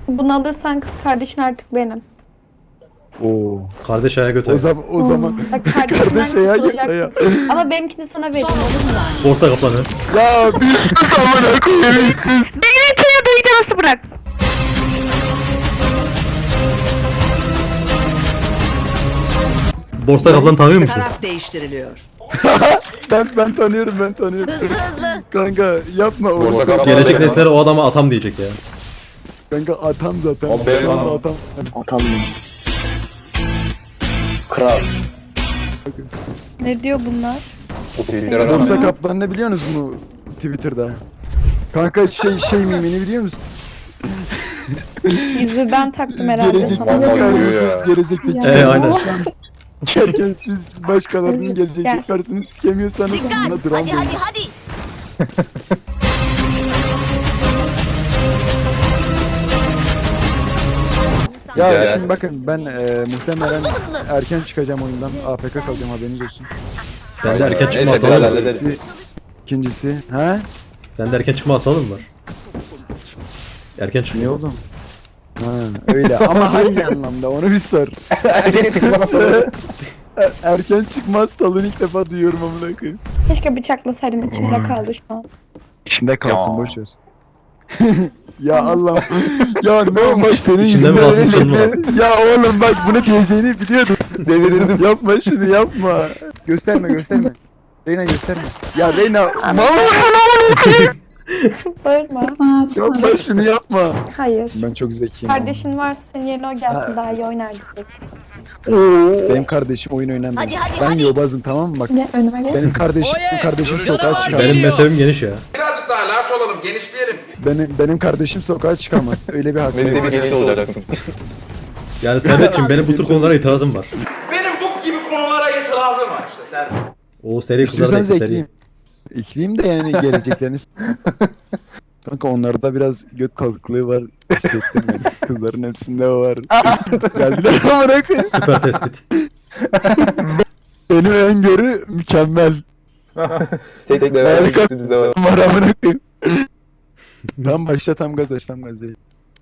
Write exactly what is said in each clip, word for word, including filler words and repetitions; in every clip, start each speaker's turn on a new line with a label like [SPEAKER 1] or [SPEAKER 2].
[SPEAKER 1] Bunu alırsan kız kardeşin artık benim.
[SPEAKER 2] Oo.
[SPEAKER 3] Kardeş ayağa götür.
[SPEAKER 2] O zaman o zaman
[SPEAKER 1] Bak kardeşinden
[SPEAKER 2] kardeş ayağa götür ya.
[SPEAKER 1] kurtulacaksın. Ama benimkini sana vereyim olur mu?
[SPEAKER 3] Borsa kaplanı.
[SPEAKER 2] Ya bir sus amına koyayım.
[SPEAKER 1] Benimkini duyunca nasıl bırak?
[SPEAKER 3] Borsa kaplanı tanıyor musun?
[SPEAKER 4] Taraf değiştiriliyor.
[SPEAKER 2] Ben ben tanıyorum ben tanıyorum.
[SPEAKER 4] Hızlı hızlı.
[SPEAKER 2] Kanka yapma o.
[SPEAKER 5] Borsa kapalı.
[SPEAKER 3] Gelecek nesillere o adama atam diyecek ya.
[SPEAKER 2] Kanka atam zaten.
[SPEAKER 5] O benim
[SPEAKER 2] Şu anda
[SPEAKER 5] anam.
[SPEAKER 2] atam.
[SPEAKER 6] Atam mı? Kral.
[SPEAKER 1] Ne diyor bunlar?
[SPEAKER 5] Twitter'a
[SPEAKER 2] Borsa
[SPEAKER 5] rağmen.
[SPEAKER 2] kaplan ne biliyorsunuz mu Twitter'da? Kanka şey şey mimini biliyor musun?
[SPEAKER 1] Yüzü ben taktım herhalde
[SPEAKER 2] Gelecekteki
[SPEAKER 1] sana.
[SPEAKER 5] Vallahi
[SPEAKER 2] karşınız,
[SPEAKER 5] diyor ya.
[SPEAKER 2] gelecekteki
[SPEAKER 1] Ya.
[SPEAKER 3] Ee, aynen.
[SPEAKER 2] Gerçekten siz başkalarının
[SPEAKER 1] Gel.
[SPEAKER 2] gelecekteki karşısını sikemiyorsanız
[SPEAKER 4] Dikkat.
[SPEAKER 2] buna dram
[SPEAKER 4] Hadi
[SPEAKER 2] deyin.
[SPEAKER 4] hadi hadi.
[SPEAKER 2] Ya
[SPEAKER 5] Gel.
[SPEAKER 2] şimdi bakın ben e, muhtemelen erken çıkacağım oyundan. A F K kalacağım haberiniz olsun.
[SPEAKER 3] Sen de erken çıkma
[SPEAKER 5] Neyse,
[SPEAKER 3] hastalığı
[SPEAKER 5] helal,
[SPEAKER 3] var.
[SPEAKER 5] helal.
[SPEAKER 2] İkincisi, ikincisi he?
[SPEAKER 3] Sen de erken çıkma hastalığı mı var? Erken çıkma.
[SPEAKER 2] Ne oğlum? Ha öyle ama hangi anlamda onu bir sor.
[SPEAKER 5] Erken çıkma.
[SPEAKER 2] Erken çıkma hastalığını ilk defa duyuyorum amına koyayım.
[SPEAKER 1] Keşke bıçaklasaydım içinde kaldı şu an.
[SPEAKER 2] İçinde kalsın
[SPEAKER 5] Ya.
[SPEAKER 2] boş ver. Ya Allah. Ya ne olmaz senin
[SPEAKER 3] İçinde mi
[SPEAKER 2] yüzünden
[SPEAKER 3] kalsın, dışında mı
[SPEAKER 2] öyle-
[SPEAKER 3] kalsın?
[SPEAKER 2] Ya oğlum bak bunu diyeceğini biliyordum. Delirdim. Yapma şunu yapma. Gösterme gösterme. Reyna gösterme. Ya Reyna mal
[SPEAKER 1] Bağırma.
[SPEAKER 2] yapma şunu yapma.
[SPEAKER 1] Hayır.
[SPEAKER 2] Ben çok zekiyim.
[SPEAKER 1] Kardeşin varsa senin yerine o gelsin daha iyi oynar diyecektim.
[SPEAKER 2] Benim kardeşim oyun oynamıyor.
[SPEAKER 4] Hadi, hadi,
[SPEAKER 2] Ben
[SPEAKER 4] hadi.
[SPEAKER 2] yobazım tamam mı bak.
[SPEAKER 1] Gel önüme gel.
[SPEAKER 2] Benim kardeşim benim kardeşim sokağa çıkamaz.
[SPEAKER 3] Benim mezhebim geniş ya.
[SPEAKER 7] Birazcık daha large olalım, genişleyelim.
[SPEAKER 2] Benim benim kardeşim sokağa çıkamaz. Öyle bir hakkı yok.
[SPEAKER 5] Mezhebi geniş olacaksın.
[SPEAKER 3] Yani Servetciğim benim bu tür konulara itirazım var.
[SPEAKER 7] Benim bu gibi konulara itirazım var işte sen.
[SPEAKER 3] O seri kızlar
[SPEAKER 2] İstiyorsanız
[SPEAKER 3] bekle seri.
[SPEAKER 2] ekleyeyim. Ekleyeyim de yani gelecekleriniz. Kanka onlarda biraz göt kalkıklığı var. Hissettim yani. Kızların hepsinde o var. Geldiler amına koyayım.
[SPEAKER 3] Süper tespit.
[SPEAKER 2] Benim öngörü mükemmel.
[SPEAKER 5] Tek tek level
[SPEAKER 2] Harika.
[SPEAKER 5] üstümüzde var.
[SPEAKER 2] Var amına koyayım. Tam başla tam gaz aç tam gaz değil.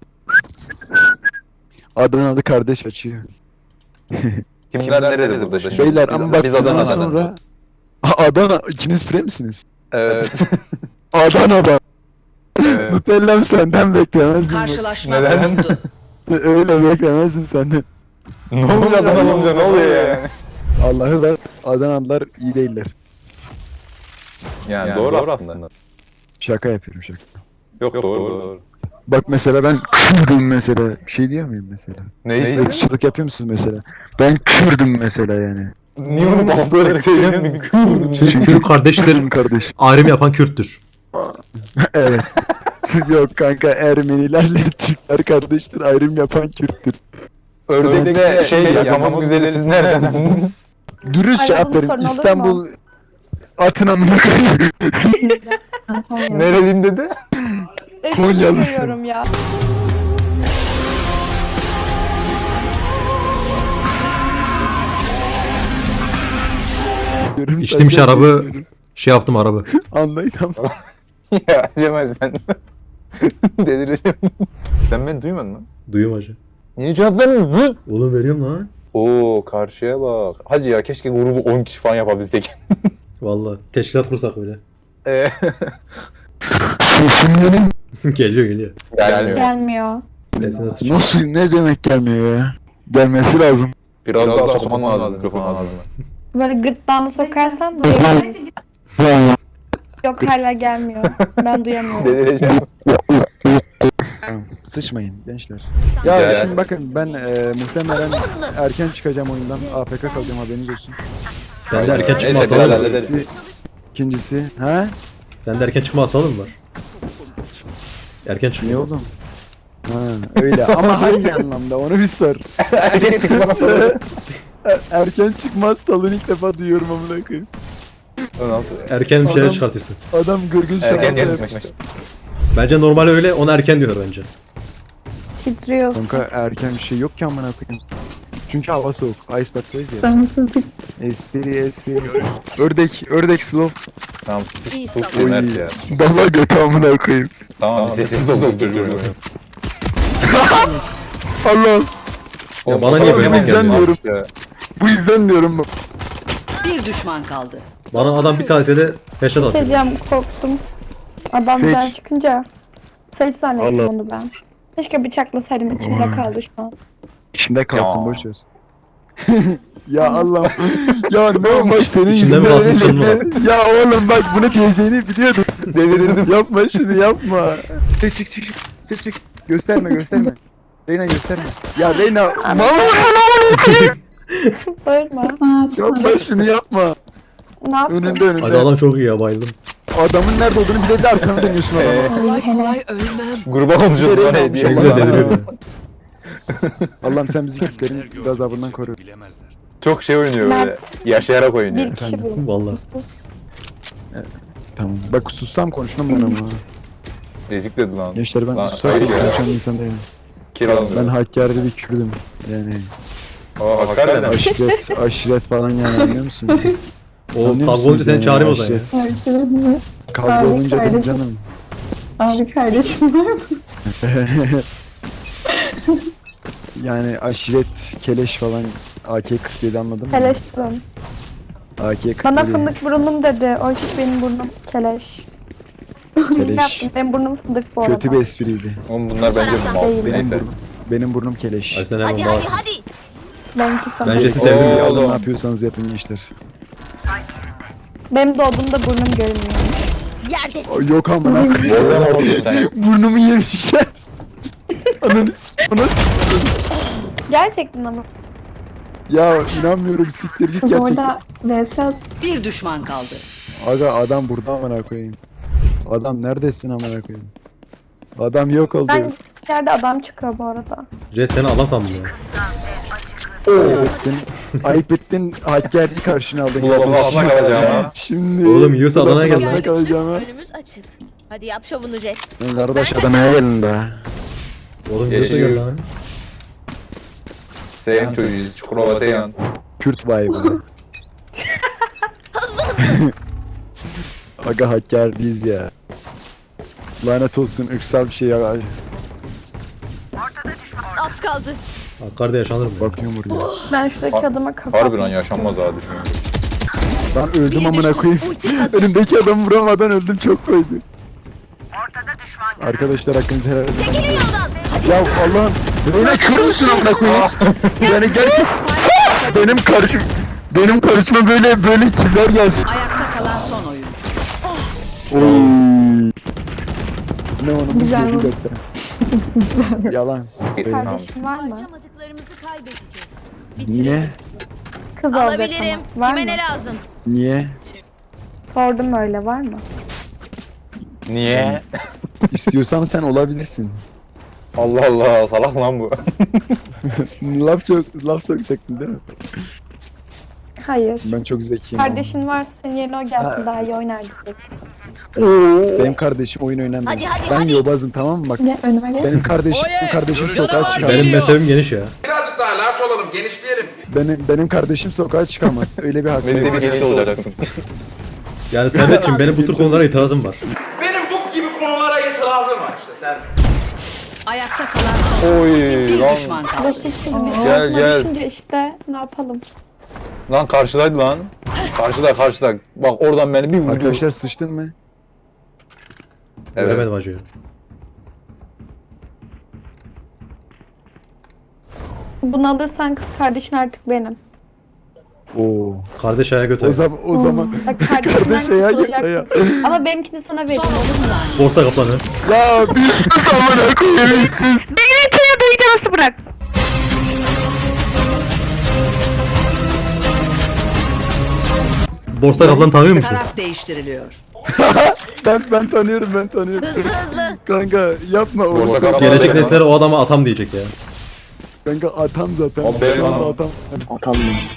[SPEAKER 2] Adanalı kardeş açıyor.
[SPEAKER 5] Kimler nerede burada şimdi?
[SPEAKER 2] Beyler
[SPEAKER 5] Biz-
[SPEAKER 2] ama bak
[SPEAKER 5] biz
[SPEAKER 2] bundan
[SPEAKER 5] Adana'dan.
[SPEAKER 2] sonra A- Adana ikiniz pre misiniz?
[SPEAKER 5] Evet.
[SPEAKER 2] Adana'da.
[SPEAKER 5] Evet.
[SPEAKER 2] Nutella'm senden beklemezdim. bak.
[SPEAKER 4] Karşılaşma
[SPEAKER 5] Neden?
[SPEAKER 4] oldu.
[SPEAKER 2] Öyle beklemezdim senden.
[SPEAKER 5] Ne oluyor adam olunca ne oluyor yani?
[SPEAKER 2] Allah'ı da Adanalılar iyi değiller.
[SPEAKER 5] Yani, doğru, aslında.
[SPEAKER 2] Şaka yapıyorum şaka.
[SPEAKER 5] Yok, doğru doğru.
[SPEAKER 2] Bak mesela ben Kürdüm mesela. Bir şey diyor muyum mesela?
[SPEAKER 5] Neyse.
[SPEAKER 2] Irkçılık yapıyor musunuz mesela? Ben Kürdüm mesela yani.
[SPEAKER 5] Niye onu bastırarak söylüyorsun?
[SPEAKER 3] Türk, Türk kardeştir.
[SPEAKER 2] Kürdüm kardeş.
[SPEAKER 3] Ayrım yapan Kürttür.
[SPEAKER 2] Evet. Yok kanka Ermenilerle Türkler kardeştir. Ayrım yapan Kürttür.
[SPEAKER 5] Ördek'te şey ya, tamam güzeli siz neredesiniz?
[SPEAKER 2] Dürüst
[SPEAKER 1] Ay,
[SPEAKER 2] cevap
[SPEAKER 1] bunun
[SPEAKER 2] verin.
[SPEAKER 1] sorunu olur mu?
[SPEAKER 2] İstanbul atın amına koyayım.
[SPEAKER 5] Nereliyim dedi?
[SPEAKER 2] Konyalısın.
[SPEAKER 1] Seviyorum ya.
[SPEAKER 2] Diyorum,
[SPEAKER 3] İçtiğim
[SPEAKER 2] senden
[SPEAKER 3] şarabı
[SPEAKER 2] geçmiyorum.
[SPEAKER 3] şey yaptım arabı.
[SPEAKER 2] Anlayın ama.
[SPEAKER 5] Ya Cemal sen delireceğim. Sen beni duymadın mı?
[SPEAKER 3] Duyuyorum hacı.
[SPEAKER 5] Niye cevap vermiyorsun?
[SPEAKER 3] Oğlum veriyorum lan.
[SPEAKER 5] Oo karşıya bak. Hacı ya keşke grubu on kişi falan yapabilsek.
[SPEAKER 3] Valla teşkilat kursak öyle.
[SPEAKER 5] Eee
[SPEAKER 2] Sesim benim.
[SPEAKER 3] Geliyor geliyor.
[SPEAKER 5] gelmiyor.
[SPEAKER 1] Gelmiyor.
[SPEAKER 3] Sesine sıçıyor.
[SPEAKER 2] Nasıl ne demek gelmiyor ya? Gelmesi lazım.
[SPEAKER 5] Biraz, daha sokman lazım mikrofon ağzına.
[SPEAKER 1] Böyle gırtlağını sokarsan duyamıyoruz. Yok hala gelmiyor. Ben duyamıyorum.
[SPEAKER 5] Delireceğim.
[SPEAKER 2] Sıçmayın gençler. Ya
[SPEAKER 5] Gel.
[SPEAKER 2] şimdi bakın ben e, muhtemelen erken çıkacağım oyundan. A F K kalacağım haberiniz olsun.
[SPEAKER 3] Sen de erken çıkma
[SPEAKER 5] Neyse,
[SPEAKER 3] hastalığı
[SPEAKER 5] helal,
[SPEAKER 3] var.
[SPEAKER 5] helal.
[SPEAKER 2] İkincisi, ikincisi he?
[SPEAKER 3] Sen de erken çıkma hastalığı mı var? Erken çıkma.
[SPEAKER 2] Ne oğlum? Ha öyle ama hangi anlamda onu bir sor.
[SPEAKER 5] Erken çıkma.
[SPEAKER 2] Erken çıkma hastalığını ilk defa duyuyorum amına koyayım.
[SPEAKER 3] Erken bir şeyler
[SPEAKER 2] Adam-
[SPEAKER 3] çıkartıyorsun.
[SPEAKER 2] Adam gırgın şaka
[SPEAKER 5] Erken
[SPEAKER 2] yapmış.
[SPEAKER 5] çıkmış.
[SPEAKER 3] Bence normal öyle, ona erken diyor bence.
[SPEAKER 1] Titriyorsun.
[SPEAKER 2] Kanka erken bir şey yok ki amına koyayım. Çünkü hava soğuk. Icebox'tayız ya.
[SPEAKER 1] Damsızlık.
[SPEAKER 2] Espri espri. Ördek, ördek slow.
[SPEAKER 5] Tamam.
[SPEAKER 4] İyi
[SPEAKER 5] Çok
[SPEAKER 4] savunma.
[SPEAKER 5] iyi Mert ya.
[SPEAKER 2] Bala götü amına koyayım.
[SPEAKER 5] Tamam, sessiz ol çocuğum.
[SPEAKER 2] Allah.
[SPEAKER 3] Ya bana niye böyle
[SPEAKER 2] Bu
[SPEAKER 3] denk
[SPEAKER 2] yüzden
[SPEAKER 3] geldi?
[SPEAKER 2] diyorum. Bu yüzden diyorum.
[SPEAKER 4] Bir düşman kaldı.
[SPEAKER 3] Bana adam bir saniyede headshot atıyor.
[SPEAKER 1] Seyircem korktum. Adam
[SPEAKER 2] Seç.
[SPEAKER 1] birden çıkınca. Seç zannettim
[SPEAKER 2] Allah.
[SPEAKER 1] onu ben. Keşke bıçaklasaydım, içimde kaldı şu an.
[SPEAKER 2] İçinde kalsın
[SPEAKER 5] Ya.
[SPEAKER 2] boş ver. Ya Allah. Ya ne olmaz senin
[SPEAKER 3] İçinde mi
[SPEAKER 2] yüzünden
[SPEAKER 3] kalsın, dışında mı
[SPEAKER 2] öyle-
[SPEAKER 3] kalsın?
[SPEAKER 2] Ya oğlum bak bunu diyeceğini biliyordum. Delirdim. Yapma şunu yapma. Çık çık çık. Çık çık. Gösterme gösterme. Reyna gösterme. Ya Reyna.
[SPEAKER 1] Bağırma.
[SPEAKER 2] Yapma şunu yapma.
[SPEAKER 1] Ne yaptın?
[SPEAKER 2] Önünde önünde.
[SPEAKER 3] Aga adam çok iyi ya, bayıldım.
[SPEAKER 2] Adamın nerede olduğunu bile de arkanı dönüyorsun adama.
[SPEAKER 4] Kolay kolay ölmem.
[SPEAKER 5] Gruba konuşuyoruz
[SPEAKER 2] Nereye
[SPEAKER 5] var ya
[SPEAKER 2] almış
[SPEAKER 5] diye.
[SPEAKER 3] Ne güzel deliriyor ya.
[SPEAKER 2] Allah'ım sen bizi Kürtlerin gazabından koru.
[SPEAKER 5] Çok şey oynuyor böyle.
[SPEAKER 1] Mert.
[SPEAKER 5] Yaşayarak oynuyor.
[SPEAKER 1] Bir kişi bulun.
[SPEAKER 3] Vallahi.
[SPEAKER 1] Sus.
[SPEAKER 2] Tamam. Bak sussam konuşmam ben ama.
[SPEAKER 5] Ezik dedi lan.
[SPEAKER 2] Gençler ben
[SPEAKER 5] Lan,
[SPEAKER 2] susarsam
[SPEAKER 5] ayıp ya.
[SPEAKER 2] konuşan insan değilim.
[SPEAKER 5] Kir almıyor.
[SPEAKER 2] Ben Hakkari'de bir Kürdüm. Yani
[SPEAKER 5] Aa hakikaten.
[SPEAKER 2] aşiret, aşiret falan yani anlıyor musun?
[SPEAKER 3] O
[SPEAKER 2] Anlıyor
[SPEAKER 3] kavga
[SPEAKER 2] musunuz
[SPEAKER 3] olunca seni
[SPEAKER 2] yani?
[SPEAKER 3] çağırayım o zaman ya.
[SPEAKER 2] Aşiret. Kavga
[SPEAKER 6] Abi
[SPEAKER 2] olunca değil
[SPEAKER 6] kardeşim.
[SPEAKER 2] canım.
[SPEAKER 6] Abi kardeşim var mı?
[SPEAKER 2] Yani aşiret, keleş falan A K kırk yedi anladın mı?
[SPEAKER 1] Keleştim.
[SPEAKER 2] A K kırk yedi.
[SPEAKER 1] Bana fındık burnum dedi. O hiç benim burnum keleş. Ne
[SPEAKER 2] Keleş.
[SPEAKER 1] yaptın? Benim burnum fındık bu arada.
[SPEAKER 2] Kötü bir espriydi.
[SPEAKER 5] Oğlum bunlar bence mal.
[SPEAKER 1] Değil.
[SPEAKER 2] Benim
[SPEAKER 5] Neyse.
[SPEAKER 2] burnum, benim burnum keleş.
[SPEAKER 3] Ay sen hemen bağır.
[SPEAKER 1] Benimki sana.
[SPEAKER 3] Ben Jet'i
[SPEAKER 5] Oo.
[SPEAKER 3] sevdim ya.
[SPEAKER 2] Alın
[SPEAKER 5] oğlum.
[SPEAKER 2] ne yapıyorsanız yapın gençler.
[SPEAKER 1] Benim doğduğumda burnum görünmüyor.
[SPEAKER 2] O, yok amına koyayım.
[SPEAKER 5] Oradan oraya sen.
[SPEAKER 2] Burnumu yemişler. Ananı s***ını.
[SPEAKER 1] Gerçekten ama.
[SPEAKER 2] Ya inanmıyorum siktir git
[SPEAKER 6] Kız
[SPEAKER 2] gerçekten.
[SPEAKER 6] orada V S at.
[SPEAKER 4] Bir düşman kaldı.
[SPEAKER 2] Aga adam burada amına koyayım. Adam neredesin amına koyayım? Adam yok oldu.
[SPEAKER 1] Ben yerde adam çıkıyor bu arada.
[SPEAKER 3] Jet seni adam sandım ya.
[SPEAKER 2] Ayıp ettin. Ayıp ettin. Hakkari'yi karşına aldın.
[SPEAKER 5] Ulan ulan alma kalacağım ha.
[SPEAKER 2] Şimdi.
[SPEAKER 3] Oğlum, yiyorsa Adana'ya gel lan.
[SPEAKER 2] Adana'ya kalacağım ha.
[SPEAKER 8] Önümüz açık. Hadi yap şovunu Jet.
[SPEAKER 2] Kardeş Adana'ya gelin de.
[SPEAKER 3] Oğlum
[SPEAKER 5] Yaşıyoruz.
[SPEAKER 3] yiyorsa gel lan.
[SPEAKER 5] Seyhan çocuğuyuz. Çukurova Seyhan.
[SPEAKER 2] Kürt vibe'ı. Aga Hakkari'yiz ya. Lanet olsun ırksal bir şey ya.
[SPEAKER 8] Az kaldı.
[SPEAKER 3] Hakkari'de yaşanır mı?
[SPEAKER 2] Bakıyorum buraya.
[SPEAKER 1] Ben şuradaki
[SPEAKER 5] Ha-
[SPEAKER 1] adama kafa
[SPEAKER 5] Harbi lan yaşanmaz ha düşünüyorum.
[SPEAKER 2] Ben öldüm amına koyayım.
[SPEAKER 8] Ulti hazır.
[SPEAKER 2] Önümdeki adamı vuramadan öldüm çok koydu. Arkadaşlar hakkınızı helal edin.
[SPEAKER 8] Çekilin yoldan. Hadi.
[SPEAKER 2] Ya Allah'ım. Reyna kör müsün amına koyayım? Yani gerçek benim karışım benim karışıma böyle böyle kimler gelsin?
[SPEAKER 4] Ayakta kalan son oyuncu.
[SPEAKER 2] Oy. Ne onun
[SPEAKER 6] Güzel
[SPEAKER 2] bir
[SPEAKER 6] bu.
[SPEAKER 2] dakika.
[SPEAKER 6] Güzel.
[SPEAKER 2] Yalan.
[SPEAKER 5] Tamam.
[SPEAKER 1] kardeşin var mı?
[SPEAKER 8] Harcamadıklarımızı kaybedeceğiz.
[SPEAKER 2] Niye?
[SPEAKER 1] Kız olacak
[SPEAKER 8] Alabilirim.
[SPEAKER 1] ama. Var
[SPEAKER 8] Kime
[SPEAKER 1] mı?
[SPEAKER 8] ne lazım?
[SPEAKER 2] Niye?
[SPEAKER 1] Sordum öyle, var mı?
[SPEAKER 5] Niye?
[SPEAKER 2] İstiyorsan sen olabilirsin.
[SPEAKER 5] Allah Allah salak lan bu.
[SPEAKER 2] laf çok laf sokacaktın değil mi?
[SPEAKER 1] Hayır.
[SPEAKER 2] Ben çok zekiyim.
[SPEAKER 1] Kardeşin varsa senin yerine o gelsin, daha iyi oynar diyecektim.
[SPEAKER 2] Benim kardeşim oyun oynamıyor.
[SPEAKER 8] Hadi, hadi,
[SPEAKER 2] ben
[SPEAKER 8] hadi.
[SPEAKER 2] yobazım tamam mı bak.
[SPEAKER 6] Gel önüme gel.
[SPEAKER 2] Benim kardeşim, benim kardeşim sokağa çıkamaz.
[SPEAKER 3] Benim mezhebim geniş ya.
[SPEAKER 7] Birazcık daha larç olalım, genişleyelim.
[SPEAKER 2] Benim benim kardeşim sokağa çıkamaz. Öyle bir hakkı
[SPEAKER 5] Beni
[SPEAKER 2] yok.
[SPEAKER 5] seni genç olacaksın.
[SPEAKER 3] Yani Servet'cim benim bu tür konulara itirazım var.
[SPEAKER 7] Benim bu gibi konulara itirazım var işte sen.
[SPEAKER 4] Ayakta kalan son oyuncu.
[SPEAKER 5] Oy
[SPEAKER 4] Bir
[SPEAKER 5] lan.
[SPEAKER 4] düşman kaldı.
[SPEAKER 1] Burası şimdi
[SPEAKER 5] Gel, gel.
[SPEAKER 1] düşünce işte ne yapalım?
[SPEAKER 5] Lan karşıdaydı lan. Karşıda karşıda. Bak oradan beni bir vurdu.
[SPEAKER 2] Arkadaşlar sıçtın mı?
[SPEAKER 5] Evet.
[SPEAKER 3] Göremedim acıyı.
[SPEAKER 1] Bunu alırsan kız kardeşin artık benim.
[SPEAKER 2] Oo.
[SPEAKER 3] Kardeş ayağa
[SPEAKER 2] O
[SPEAKER 3] götür.
[SPEAKER 2] zaman o zaman
[SPEAKER 1] Bak kardeşinden
[SPEAKER 2] kardeş ya
[SPEAKER 1] kurtulacaksın.
[SPEAKER 2] ya.
[SPEAKER 1] Ama benimkini sana vereceğim,
[SPEAKER 4] Son
[SPEAKER 1] olur mu?
[SPEAKER 4] otuz saniye.
[SPEAKER 3] Borsa kaplanı.
[SPEAKER 2] Ya bir sus amına koyayım. Sus.
[SPEAKER 1] Beni kıya duyunca nasıl bırak?
[SPEAKER 3] Borsa kaplanı tanıyor musun?
[SPEAKER 4] Taraf değiştiriliyor.
[SPEAKER 2] Ben ben tanıyorum ben tanıyorum.
[SPEAKER 8] Hızlı hızlı.
[SPEAKER 2] Kanka yapma o.
[SPEAKER 5] Borsa
[SPEAKER 2] Kanka,
[SPEAKER 5] kapalı.
[SPEAKER 3] Gelecek nesillere o adama atam diyecek ya.
[SPEAKER 2] kanka atam zaten.
[SPEAKER 5] O benim
[SPEAKER 2] Şu anda
[SPEAKER 5] adam.
[SPEAKER 2] atam.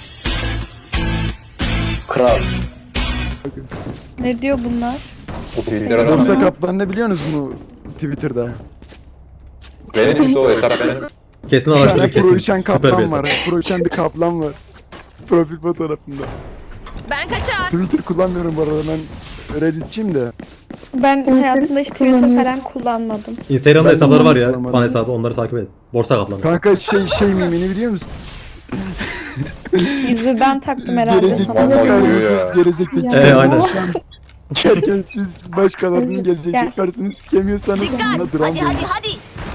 [SPEAKER 1] Ne diyor bunlar?
[SPEAKER 5] O Twitter'a
[SPEAKER 2] Borsa
[SPEAKER 5] lan.
[SPEAKER 2] kaplan ne biliyorsunuz mu Twitter'da?
[SPEAKER 5] Benim işte o hesap benim.
[SPEAKER 3] Kesin
[SPEAKER 2] Bir
[SPEAKER 3] araştırın
[SPEAKER 2] tane pro
[SPEAKER 3] kesin.
[SPEAKER 2] uçan
[SPEAKER 3] Süper bir
[SPEAKER 2] kaplan
[SPEAKER 3] hesap.
[SPEAKER 2] var. Pro uçan bir kaplan var. Profil fotoğrafında.
[SPEAKER 8] Ben kaçar.
[SPEAKER 2] Twitter kullanmıyorum bu arada ben Redditçiyim de.
[SPEAKER 1] Ben
[SPEAKER 6] Evet,
[SPEAKER 1] hayatımda hiç Twitter
[SPEAKER 6] kullanıyorsun.
[SPEAKER 1] falan kullanmadım.
[SPEAKER 3] Instagram'da
[SPEAKER 2] Ben
[SPEAKER 3] hesapları var ya.
[SPEAKER 2] kullanmadım.
[SPEAKER 3] Fan hesabı, onları takip et. Borsa kaplanı.
[SPEAKER 2] Kanka şey şey mimini biliyor musun?
[SPEAKER 1] Yüzü ben taktım herhalde
[SPEAKER 2] Gelecek
[SPEAKER 1] sana.
[SPEAKER 5] Vallahi
[SPEAKER 2] gelecek
[SPEAKER 5] diyor ya.
[SPEAKER 2] gelecekteki.
[SPEAKER 6] Ya.
[SPEAKER 3] Ee, aynen.
[SPEAKER 2] Gerçekten siz başkalarının gelecek
[SPEAKER 1] Gel.
[SPEAKER 2] karşısını sikemiyorsanız
[SPEAKER 8] Dikkat.
[SPEAKER 2] buna dram
[SPEAKER 8] Hadi
[SPEAKER 2] koyun.
[SPEAKER 8] hadi hadi.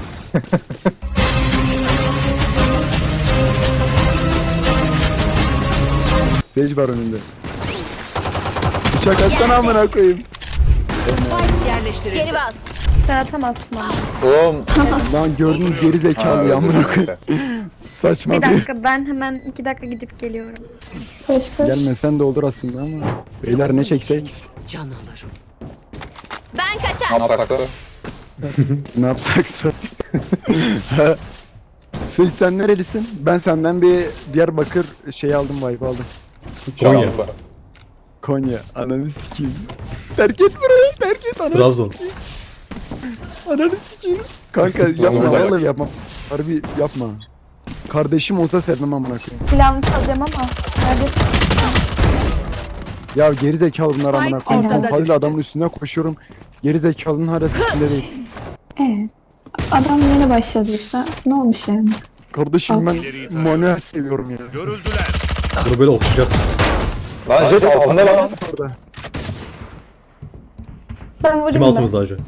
[SPEAKER 2] Sage var önünde. Bıçak atsana amına koyayım.
[SPEAKER 4] Spike yerleştirildi.
[SPEAKER 8] Geri bas.
[SPEAKER 1] Sen atamazsın ama.
[SPEAKER 5] Oğlum.
[SPEAKER 2] Lan gördün geri zekalı ya amına koyayım. Saçma
[SPEAKER 1] Bir
[SPEAKER 2] bir.
[SPEAKER 1] dakika ben hemen iki dakika gidip geliyorum.
[SPEAKER 6] Koş koş.
[SPEAKER 2] Gelmesen de olur aslında ama. Beyler ne çeksek?
[SPEAKER 4] Can alırım.
[SPEAKER 8] Ben
[SPEAKER 5] Ne
[SPEAKER 8] kaçar.
[SPEAKER 5] yapsak da?
[SPEAKER 2] Ne yapsaksa. Sage sen nerelisin? Ben senden bir Diyarbakır şey aldım, vibe aldım.
[SPEAKER 3] Konya.
[SPEAKER 2] Konya. Ananı sikeyim. Terk et burayı, terk et ananı.
[SPEAKER 3] Trabzon.
[SPEAKER 2] Ananı sikeyim. Kanka yapma,
[SPEAKER 5] Vallahi
[SPEAKER 2] vallahi yapma. Harbi yapma. Kardeşim olsa sevmem amına koyayım.
[SPEAKER 1] Silahımı çalacağım ama. Neredesin?
[SPEAKER 2] Ya geri zekalı bunlar amına koyayım.
[SPEAKER 4] ortada
[SPEAKER 2] Pompalıyla
[SPEAKER 4] düştü.
[SPEAKER 2] adamın üstüne koşuyorum. Geri zekalının hala sikinde değil.
[SPEAKER 6] Evet. Adam yeni başladıysa ne olmuş yani?
[SPEAKER 2] Kardeşim ben manuel seviyorum ya.
[SPEAKER 3] Bunu böyle okşayacaksın.
[SPEAKER 5] Lan jet altında lan.
[SPEAKER 2] Orada.
[SPEAKER 1] Ben vurayım
[SPEAKER 3] Kim
[SPEAKER 1] mı?
[SPEAKER 3] altımızda acı?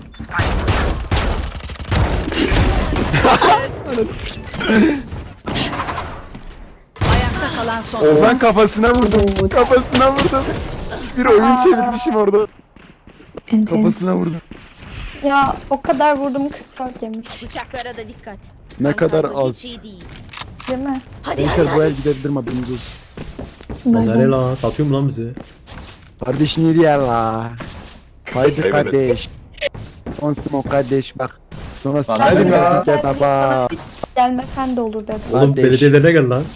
[SPEAKER 4] Ayakta kalan son
[SPEAKER 2] O ben kafasına vurdum. Kafasına vurdum. Bir oyun çevirmişim orada.
[SPEAKER 6] Enteresan.
[SPEAKER 2] Kafasına vurdum.
[SPEAKER 1] Ya o kadar vurdum kırk dört yemiş.
[SPEAKER 8] Bıçaklara da dikkat.
[SPEAKER 2] Ne kadar
[SPEAKER 8] Kantarlı
[SPEAKER 2] az.
[SPEAKER 8] Hiç iyi değil.
[SPEAKER 1] Değil mi?
[SPEAKER 8] Hadi hadi
[SPEAKER 2] Gençler bu
[SPEAKER 8] hadi.
[SPEAKER 2] el gidebilir mi haberiniz olsun.
[SPEAKER 3] Lan nereye lan? Satıyor mu lan bizi?
[SPEAKER 2] Kardeş nereye la? Haydi kardeş. On smoke kardeş bak. Sonra
[SPEAKER 5] Lan
[SPEAKER 2] hadi
[SPEAKER 5] nerede ya?
[SPEAKER 2] verdik ya baba.
[SPEAKER 1] Gelmesen de olur dedim.
[SPEAKER 3] Oğlum
[SPEAKER 2] Kardeş.
[SPEAKER 3] belediyelerine gel lan.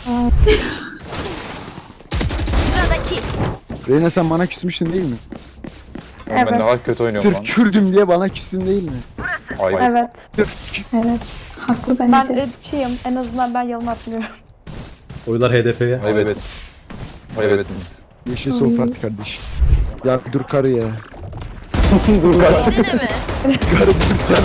[SPEAKER 8] Sıradaki.
[SPEAKER 2] Reyna sen bana küsmüştün değil mi?
[SPEAKER 5] Oğlum ben ne kadar kötü oynuyorum
[SPEAKER 2] Sırf
[SPEAKER 5] lan.
[SPEAKER 2] Kürdüm diye bana küstün değil mi?
[SPEAKER 5] Ayıp.
[SPEAKER 1] Evet.
[SPEAKER 2] Sırf
[SPEAKER 6] Evet. Haklı
[SPEAKER 1] Ben
[SPEAKER 6] bence.
[SPEAKER 1] ırkçıyım. En azından ben yalan atmıyorum.
[SPEAKER 3] Oylar H D P'ye.
[SPEAKER 5] Ayıp et. Ayıp ettiniz.
[SPEAKER 2] yeşil sohbet kardeş. Ya dur karı ya.
[SPEAKER 5] Dur lan.
[SPEAKER 8] Yedine mi?
[SPEAKER 2] Karı dur sen.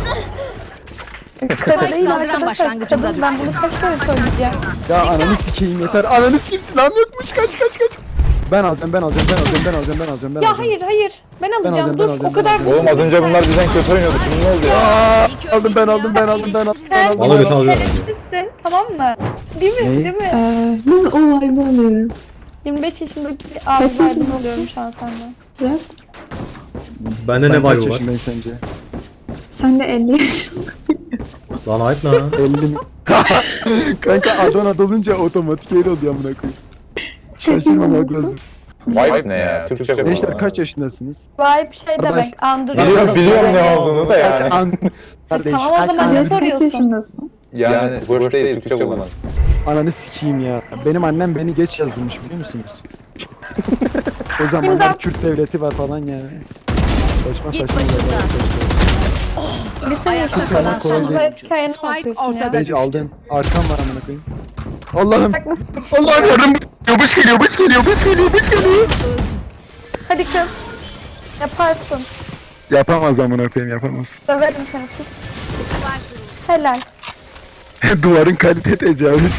[SPEAKER 1] Kısa değil
[SPEAKER 4] saldıran
[SPEAKER 1] arkadaşlar.
[SPEAKER 4] başlangıcında
[SPEAKER 1] Kadın ben bunu kaç kere söyleyeceğim.
[SPEAKER 2] Ya ananı sikeyim yeter. Ananı sikeyim silahım yokmuş. Kaç kaç kaç. Ben alacağım ben alacağım ben alacağım ben alacağım ben alacağım ben
[SPEAKER 1] Ya
[SPEAKER 2] alacağım.
[SPEAKER 1] hayır hayır. Ben alacağım.
[SPEAKER 2] alacağım,
[SPEAKER 1] Dur
[SPEAKER 2] ben alacağım,
[SPEAKER 1] o kadar.
[SPEAKER 2] ben alacağım.
[SPEAKER 5] Oğlum az önce bunlar bizden kötü oynuyordu. Şimdi ne oldu ya?
[SPEAKER 2] Aa, aldım ben aldım ben aldım ben aldım ben aldım.
[SPEAKER 3] Bana götü alıyorum.
[SPEAKER 1] Şerefsizsin tamam mı? Değil mi?
[SPEAKER 2] Ne?
[SPEAKER 1] Değil mi?
[SPEAKER 6] Ee, ben o vibe'ı alıyorum.
[SPEAKER 1] yirmi beş yaşındaki abilerden alıyorum şu an senden.
[SPEAKER 6] Bırak.
[SPEAKER 3] Bende ne
[SPEAKER 2] Sen kaç
[SPEAKER 3] vibe var?
[SPEAKER 2] yaşındayım sence?
[SPEAKER 6] Sen de elli yaşındasın.
[SPEAKER 3] Lan ayıp lan.
[SPEAKER 2] elli mi? Kanka Adana dolunca otomatik öyle oluyor amına koyayım. Şaşırmamak lazım.
[SPEAKER 5] Vibe ne ya? Türkçe bu.
[SPEAKER 2] Gençler kaç yaşındasınız?
[SPEAKER 1] Vibe şey
[SPEAKER 2] Kardeş,
[SPEAKER 1] demek. Andırıyor.
[SPEAKER 5] Biliyorum biliyorum ne olduğunu da
[SPEAKER 2] Kaç
[SPEAKER 5] yani.
[SPEAKER 2] an... Kardeş
[SPEAKER 1] Tamam o
[SPEAKER 2] kaç
[SPEAKER 1] zaman ne
[SPEAKER 2] an...
[SPEAKER 6] Kaç
[SPEAKER 1] soruyorsun?
[SPEAKER 6] yaşındasın?
[SPEAKER 5] Yani boş değil Türkçe kullan.
[SPEAKER 2] Ananı sikeyim ya. Benim annem beni geç yazdırmış biliyor musunuz? O zamanlar
[SPEAKER 1] İmdat.
[SPEAKER 2] Kürt devleti var falan ya. Saçma
[SPEAKER 8] Git
[SPEAKER 2] saçma.
[SPEAKER 8] başımdan.
[SPEAKER 2] şeyler arkadaşlar.
[SPEAKER 1] Bir sene
[SPEAKER 4] Ayakta
[SPEAKER 1] yaşında
[SPEAKER 4] kalan son
[SPEAKER 2] Kolay
[SPEAKER 1] Sana
[SPEAKER 4] oyuncu.
[SPEAKER 1] hikayeni
[SPEAKER 4] Spike
[SPEAKER 1] anlatıyorsun ya.
[SPEAKER 4] ortada
[SPEAKER 2] Sage
[SPEAKER 4] düştü.
[SPEAKER 2] aldın. Arkam var amına koyayım. Allah'ım.
[SPEAKER 1] Bak nasıl
[SPEAKER 2] Allah'ım yardım. Bıç geliyor, bıç geliyor, bıç geliyor, bıç geliyor.
[SPEAKER 1] Hadi kız. Yaparsın.
[SPEAKER 2] Yapamaz amına koyayım, yapamaz.
[SPEAKER 1] Döverim seni sus. Helal.
[SPEAKER 2] Duvarın kalite tecavüz.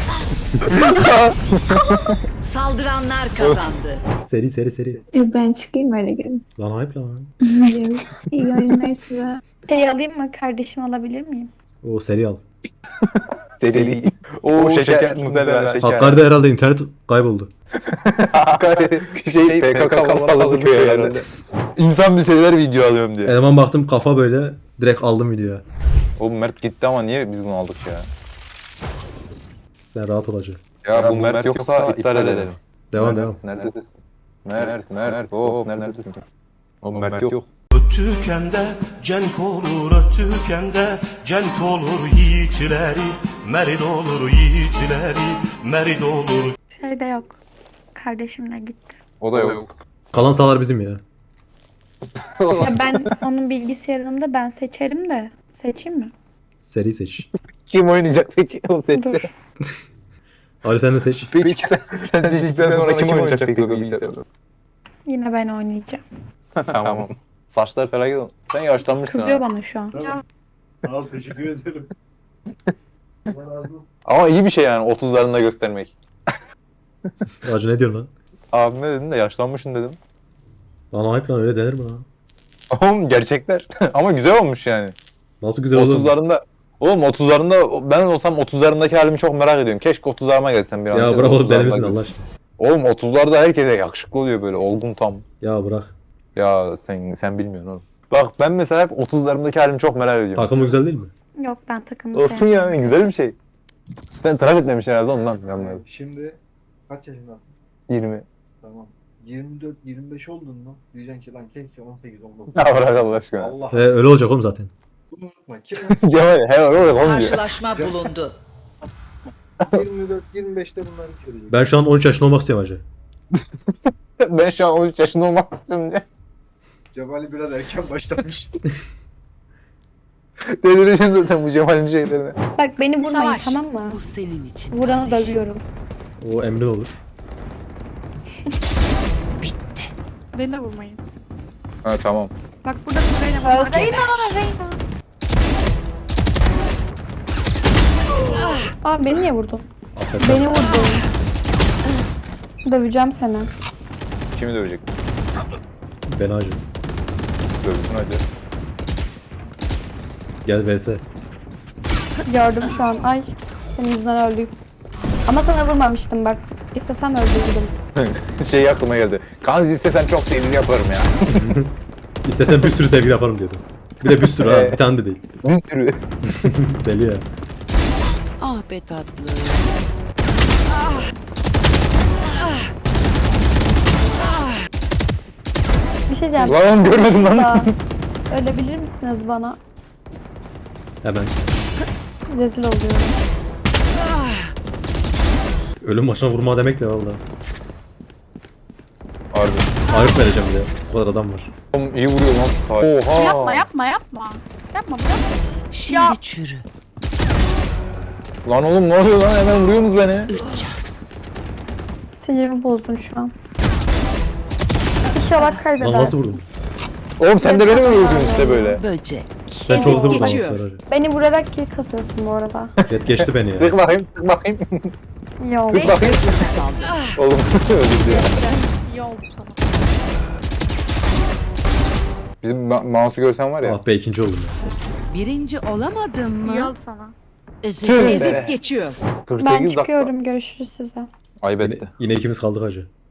[SPEAKER 4] Saldıranlar kazandı.
[SPEAKER 3] Seri seri seri.
[SPEAKER 6] E, ben çıkayım öyle gelin.
[SPEAKER 3] Lan ayıp lan.
[SPEAKER 6] İyi oyunlar size.
[SPEAKER 1] Şey alayım mı? Kardeşim alabilir miyim?
[SPEAKER 3] O seri al.
[SPEAKER 5] Deli. Oo şeker, muzeler, şeker.
[SPEAKER 3] Hakkari'de herhalde internet kayboldu.
[SPEAKER 5] Hakkari şey P K K salladı köy herhalde. İnsan bir şeyler video alıyorum diye.
[SPEAKER 3] Eleman baktım kafa böyle direkt aldım videoya.
[SPEAKER 5] Oğlum Mert gitti ama niye biz bunu aldık ya?
[SPEAKER 3] Sen rahat olacaksın.
[SPEAKER 5] Ya bu Mert yoksa iptal edelim.
[SPEAKER 3] Devam devam.
[SPEAKER 5] Neredesin? Mert, Mert, hop neredesin? Oğlum Mert yok.
[SPEAKER 9] Ötükende cenk olur, ötükende cenk olur yiğitleri, merid olur yiğitleri, merid olur.
[SPEAKER 1] Şey de yok. Kardeşimle gitti.
[SPEAKER 5] O da yok.
[SPEAKER 3] Kalan sahalar bizim ya.
[SPEAKER 1] Ya ben onun bilgisayarında ben seçerim de. Seçeyim mi?
[SPEAKER 3] Seri seç.
[SPEAKER 5] Kim oynayacak peki o seti?
[SPEAKER 1] Dur.
[SPEAKER 3] Ali sen de seç.
[SPEAKER 5] Peki sen, sen seçtikten sonra kim oynayacak peki o bilgisayarı?
[SPEAKER 1] Yine ben oynayacağım.
[SPEAKER 5] Tamam. Saçlar felaket oldu. Sen yaşlanmışsın
[SPEAKER 1] Kızıyor
[SPEAKER 5] ha.
[SPEAKER 1] bana şu an.
[SPEAKER 3] Al teşekkür ederim.
[SPEAKER 5] Ama iyi bir şey yani otuzlarında göstermek.
[SPEAKER 3] Hacı ne diyorsun lan?
[SPEAKER 5] Abime dedim de yaşlanmışsın dedim.
[SPEAKER 3] Lan ayıp lan, öyle denir mi lan?
[SPEAKER 5] Oğlum gerçekler. Ama güzel olmuş yani.
[SPEAKER 3] Nasıl güzel olur.
[SPEAKER 5] otuzlarında Oğlum otuzlarında ben olsam otuzlarındaki halimi çok merak ediyorum. Keşke otuzlarıma gelsem bir an.
[SPEAKER 3] Ya bırak oğlum,
[SPEAKER 5] otuzlarımda
[SPEAKER 3] denemesin
[SPEAKER 5] gel-
[SPEAKER 3] Allah aşkına.
[SPEAKER 5] Oğlum otuzlarda herkese yakışıklı oluyor böyle olgun tam.
[SPEAKER 3] Ya bırak.
[SPEAKER 5] Ya sen sen bilmiyorsun oğlum. Bak ben mesela hep otuzlarımdaki halimi çok merak ediyorum.
[SPEAKER 3] Takımı güzel değil mi?
[SPEAKER 1] Yok ben takımı
[SPEAKER 5] Olsun
[SPEAKER 1] sevmiyorum.
[SPEAKER 5] yani güzel bir şey. Sen tıraş etmemişsin herhalde ondan yanlarım.
[SPEAKER 10] Şimdi kaç yaşındasın?
[SPEAKER 5] yirmi.
[SPEAKER 10] Tamam. yirmi dört yirmi beş oldun mu? Diyeceksin ki lan keşke on sekiz on dokuz.
[SPEAKER 5] Ya bırak Allah aşkına.
[SPEAKER 10] Allah.
[SPEAKER 3] He, öyle olacak oğlum zaten.
[SPEAKER 10] Bunu unutma. Kim
[SPEAKER 5] Cemal he öyle olmuyor.
[SPEAKER 4] Karşılaşma bulundu.
[SPEAKER 10] yirmi dört yirmi beşte bunları söyleyecek.
[SPEAKER 3] Ben şu an on üç yaşında olmak istiyorum hacı.
[SPEAKER 5] Ben şu an on üç yaşında olmak istiyorum diye.
[SPEAKER 10] Cevali biraz erken başlamış.
[SPEAKER 5] Delireceğim zaten bu Cemal'in şeylerine.
[SPEAKER 1] Bak beni vurmayın
[SPEAKER 4] Savaş.
[SPEAKER 1] tamam mı?
[SPEAKER 4] Bu senin için.
[SPEAKER 1] Vuranı
[SPEAKER 4] kardeşim.
[SPEAKER 1] dövüyorum.
[SPEAKER 3] O emrin olur.
[SPEAKER 4] Bitti.
[SPEAKER 1] Beni de vurmayın.
[SPEAKER 5] Ha tamam.
[SPEAKER 1] Bak burada Reyna var. Reyna Reyna. Aa beni niye vurdun?
[SPEAKER 3] Affet.
[SPEAKER 1] Beni vurdun. Döveceğim seni.
[SPEAKER 5] Kimi dövecek?
[SPEAKER 3] Ben hacı.
[SPEAKER 5] Dövsün hadi.
[SPEAKER 3] Gel vs.
[SPEAKER 1] Gördüm şu an. Ay senin yüzünden öldüm. Ama sana vurmamıştım bak. İstesem öldürürdüm.
[SPEAKER 5] Şey aklıma geldi. Kanzi istesen çok sevgili yaparım ya.
[SPEAKER 3] İstesen bir sürü sevgili yaparım diyordu. Bir de bir sürü ha.
[SPEAKER 5] Evet.
[SPEAKER 3] Bir tane de değil.
[SPEAKER 5] Bir sürü.
[SPEAKER 3] Deli ya.
[SPEAKER 4] Ah be tatlı.
[SPEAKER 1] Bir şey diyeceğim.
[SPEAKER 5] Lan görmedim lan.
[SPEAKER 1] Aa, ölebilir misiniz bana?
[SPEAKER 3] Hemen.
[SPEAKER 1] Rezil oluyorum.
[SPEAKER 3] Ölüm başına vurma demek de valla.
[SPEAKER 5] Harbi.
[SPEAKER 3] Arif vereceğim bir de. O kadar adam var.
[SPEAKER 5] Oğlum iyi vuruyor lan. Oha.
[SPEAKER 1] Yapma yapma yapma. Yapma bırak.
[SPEAKER 4] Şimdi çürü.
[SPEAKER 5] Lan oğlum ne oluyor lan hemen vuruyorsunuz beni.
[SPEAKER 4] Üç can.
[SPEAKER 1] Sinirimi bozdun şu an. İnşallah kaybedersin.
[SPEAKER 3] Lan nasıl vurdun?
[SPEAKER 5] Oğlum sen de beni mi vuruyorsun işte böyle?
[SPEAKER 4] Böcek.
[SPEAKER 3] Sen çok
[SPEAKER 4] Ezip
[SPEAKER 3] hızlı vurdun ama
[SPEAKER 4] geçiyor.
[SPEAKER 3] Sarı hacı.
[SPEAKER 1] Beni vurarak kill kasıyorsun bu arada.
[SPEAKER 3] Jet geçti beni ya.
[SPEAKER 5] Sık bakayım sık bakayım.
[SPEAKER 1] Yok.
[SPEAKER 5] Sık bakayım. Oğlum öldürdü ya.
[SPEAKER 1] İyi oldu sana.
[SPEAKER 5] Bizim ma- mouse'u görsen var ya.
[SPEAKER 3] Ah be, ikinci oldum ya.
[SPEAKER 4] Birinci olamadın mı?
[SPEAKER 1] İyi oldu sana.
[SPEAKER 4] Ezip,
[SPEAKER 5] Tüh be.
[SPEAKER 4] ezip geçiyor.
[SPEAKER 5] kırk
[SPEAKER 1] Ben
[SPEAKER 5] sekiz dakika.
[SPEAKER 1] çıkıyorum. Görüşürüz size.
[SPEAKER 5] Ayıp
[SPEAKER 3] Yine,
[SPEAKER 5] etti.
[SPEAKER 3] yine ikimiz kaldık hacı.